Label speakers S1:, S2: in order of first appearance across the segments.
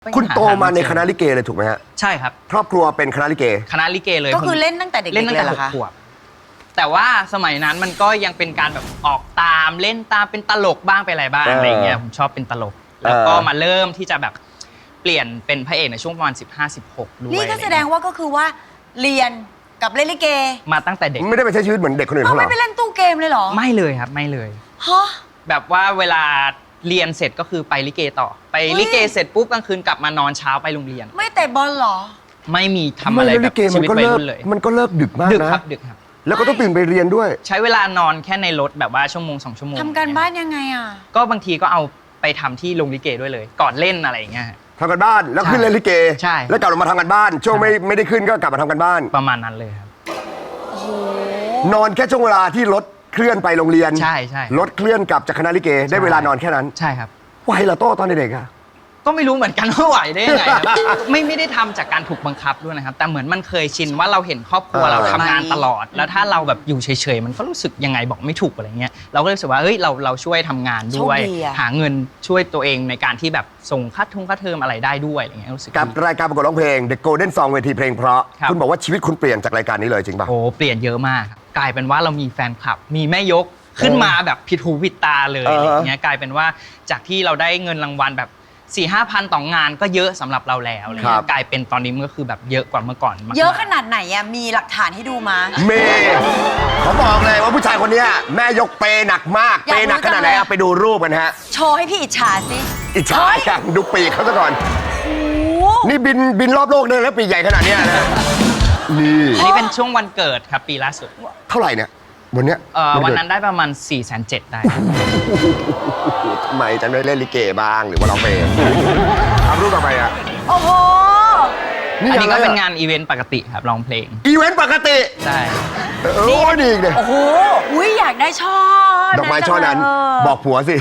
S1: คุณโตมาในคณะลิเกเลยถูกไหมฮะ
S2: ใช่ครับ
S1: ครอบครัวเป็นคณะลิเก
S2: คณะลิเกเลย
S3: ก็คือเล่นตั้งแต่เด็กๆ
S2: เล่นตั้งแต่6 ขวบแต่ว่าสมัยนั้นมันก็ยังเป็นการแบบออกตามเล่นตามเป็นตลกบ้างเป็นอะไรบ้างอะไรเงี้ยผมชอบเป็นตลกแล้วก็มาเริ่มที่จะแบบเปลี่ยนเป็นพระเอกในช่วงประมาณ15-16ด้วย
S3: นี่ก็แสดงว่าก็คือว่าเรียนกับเล่นลิเก
S2: มาตั้งแต่เด็ก
S1: ไม่ได้ไปใช้ชีวิตเหมือนเด็กคนอื่นเขาหรอ
S3: ไม่ไปเล่นตู้เกมเลยเหรอ
S2: ไม่เลยครับไม่เลย
S3: ฮะ
S2: แบบว่าเวลาเรียนเสร็จก็คือไปลิเกต่อไปลิเกเสร็จปุ๊บกลางคืนกลับมานอนเช้าไปโรงเรียน
S3: ไม่เตะบอลเหรอ
S2: ไม่มีทำอะไรแบบชีวิตวัยรุ่นเลย
S1: มันก็เลิกดึกมากนะ
S2: ดึกครับดึกครับ
S1: แล้วก็ต้องตื่นไปเรียนด้วย
S2: ใช้เวลานอนแค่ในรถแบบว่าชั่วโมง2 ชั่วโมง
S3: ทำการบ้านยังไงอ่ะ
S2: ก็บางทีก็เอาไปทำที่โรงลิเกด้วยเลยก่อนเล่นอะไรอย่างเงี้ย
S1: ทำกันบ้านแล้วขึ้นเล่นลิเก
S2: ใช่
S1: แล้วกลับมาทำกันบ้านช่วงไม่ได้ขึ้นก็กลับมาทำกันบ้าน
S2: ประมาณนั้นเลยครับ
S1: นอนแค่ช่วงเวลาที่รถเคลื่อนไปโรงเรียน
S2: ใช่
S1: รถเคลื่อนกลับจากคณะลิเกได้เวลานอนแค่นั้น
S2: ใช่ครับ
S1: ไหวเหรอโต้ตอนเด็กๆอะ
S2: ก็ไม่รู้เหมือนกันว่าไหวได้ยังไงครับไม่ได้ทำจากการถูกบังคับด้วยนะครับแต่เหมือนมันเคยชินว่าเราเห็นครอบครัวเราทำงานตลอดแล้วถ้าเราแบบอยู่เฉยๆมันก็รู้สึกยังไงบอกไม่ถูกอะไรเงี้ยเราก็รู้สึกว่าเฮ้ยเราช่วยทำงานด้วยหาเงินช่วยตัวเองในการที่แบบส่งค่าเทอมอะไรได้ด้วยอะไรเงี้ยรู้สึก
S1: กับรายการประกวดร้องเพลง The Golden Song เวทีเพลงเพราะคุณบอกว่าชีวิตคุณเปลี่ยนจากรายการนี้เลยจริงป่ะ
S2: โอ้เปลี่ยนเยอะมากกลายเป็นว่าเรามีแฟนคลับมีแม่ยกขึ้นมาแบบผิดหูผิดตาเลยอะไรเงี้ยกลายเป็นว่าจากที่เราได้เงินรางวัลแบบ4-5 พันต่องานก็เยอะสำหรับเราแล้วอะไรเงี้ยกลายเป็นตอนนี้มันก็คือแบบเยอะกว่าเมื่อก่อน
S3: เยอะขนาดไหนอ่ะมีหลักฐานให้ดูมา
S1: เมย์เขาบอกเลยว่าผู้ชายคนนี้แม่ยกเปหนักมากเปหนักขนาดไหนเอาไปดูรูปกันฮะ
S3: โชว์ให้พี่อิจฉาสิ
S1: อิจฉาอย่างดูปีกเขาซะก่อนนี่บินรอบโลกเลยแล้วปีกใหญ่ขนาดนี้นะ
S2: นี่อันนี้เป็นช่วงวันเกิดครับปีล่าสุด
S1: เท่าไหร่เนี่ยวันเนี้ย
S2: วันนั้นได้ประมาณ470,000ได้
S1: ทำไมจะไม่เล่นลิเกบ้างหรือว่าร้องเพลงทำรูปต่อไปอ่ะ
S3: โอ้โห
S2: อันนี้ก็เป็นงานอีเวนต์ปกติครับร้องเพลง
S1: อีเวนต์ปกติ
S2: ใช่
S1: โอ้ดีเลย
S3: โอ้โหอุ้ยอยากได้ช่อ
S1: ดอกไม้ช่อนั้นบอกผัวสิ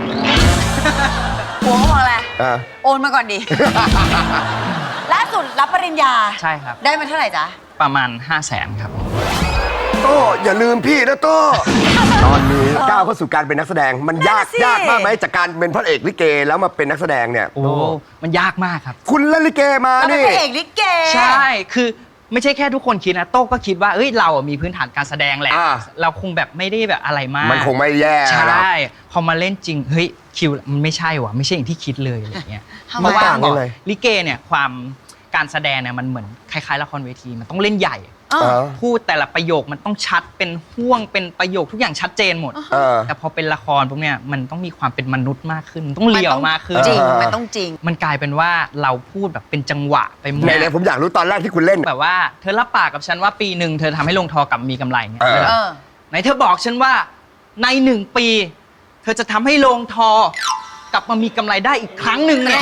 S3: ผัวเขาบอกอะไรโอนมาก่อนดิล่าสุดรับปริญญา
S2: ใช่ครับ
S3: ได้มาเท่าไหร่จ๊ะ
S2: ประมาณ500,000ครับ
S1: โต้อย่าลืมพี่นะโต้ตอนนี้ก้าวเข้าสู่การเป็นนักแสดงมันยากมากไหมจากการเป็นพระเอกลิเกแล้วมาเป็นนักแสดงเนี่ย
S2: โอ้มันยากมากครับ
S1: คุณเล่นลิเกมานี่
S3: เป็นพระเอกลิเก
S2: ใช่คือไม่ใช่แค่ทุกคนคิดนะโต้ก็คิดว่าเอ้ยเรามีพื้นฐานการแสดงแหละเราคงแบบไม่ได้แบบอะไรมาก
S1: มันคงไม่แย่
S2: ใช่พอมาเล่นจริงเฮ้ยคิวมันไม่ใช่ว่ะไม่ใช่อย่างที่คิดเลยอะไรเงี้ยเพราะว่าลิเกเนี่ยความการแสดงเนี่ยมันเหมือนคล้ายๆละครเวทีมันต้องเล่นใหญ่พูดแต่ละประโยคมันต้องชัดเป็นห่วงเป็นประโยคทุกอย่างชัดเจนหมดแต่พอเป็นละครพวกเนี้ยมันต้องมีความเป็นมนุษย์มากขึ้นต้องเลียวมากขึ้น
S3: จริงมันต้องจริง
S2: มันกลายเป็นว่าเราพูดแบบเป็นจังหวะไปหมด
S1: เลยผมอยากรู้ตอนแรกที่คุณเล่น
S2: แบบว่าเธอรับปากกับฉันว่าปีหนึ่งเธอทำให้ลงทอกลับมีกำไรเงี้ยไหนเธอบอกฉันว่าใน1 ปีเธอจะทำให้ลงทอกลับมามีกำไรได้อีกครั้งหนึ่งเนี่ย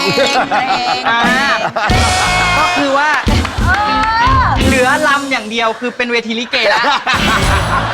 S2: ก็คือว่าเหลือลำอย่างเดียวคือเป็นเวทีลิเกแล้ว